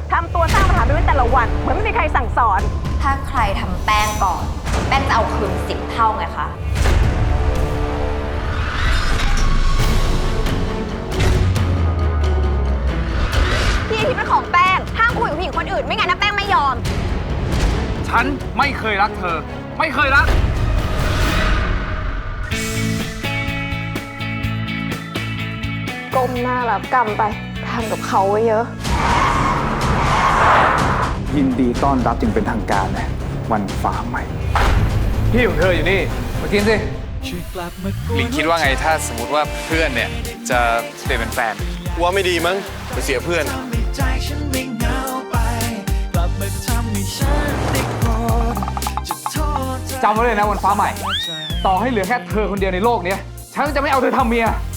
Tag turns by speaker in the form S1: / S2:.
S1: ทำตัวสร้างปัญหาไปไว้แต่ละวันเหมือนไม่มีใครสั่งสอน
S2: ถ้าใครทำแป้งก่อน แป้งจะเอาคืน10 เท่าไงคะ
S1: พี่ที่เป็นของแป้งห้ามคุยกับผู้หญิงคนอื่นไม่งั้นนะแป้งไม่ยอม
S3: ฉันไม่เคยรักเธอ ไม่เคยรัก
S1: ก้มหน้ารับกรรมไปทำกับเขาไว้เยอะ
S4: ยินดีต้อนรับจึงเป็นทางการนะวันฟ้าใหม่
S3: พี่ของเธออยู่นี่ มากินสิ
S5: หลิงคิดว่าไงถ้าสมมติว่าเพื่อนเนี่ย จะเปลี่ยนเป็นแฟน
S6: ว่าไม่ดีมั้งไปเสียเพื่อน
S3: จำไว้เลยนะวันฟ้าใหม่ ต่อให้เหลือแค่เธอคนเดียวในโลกนี้ฉันจะไม่เอาเธอทำเมีย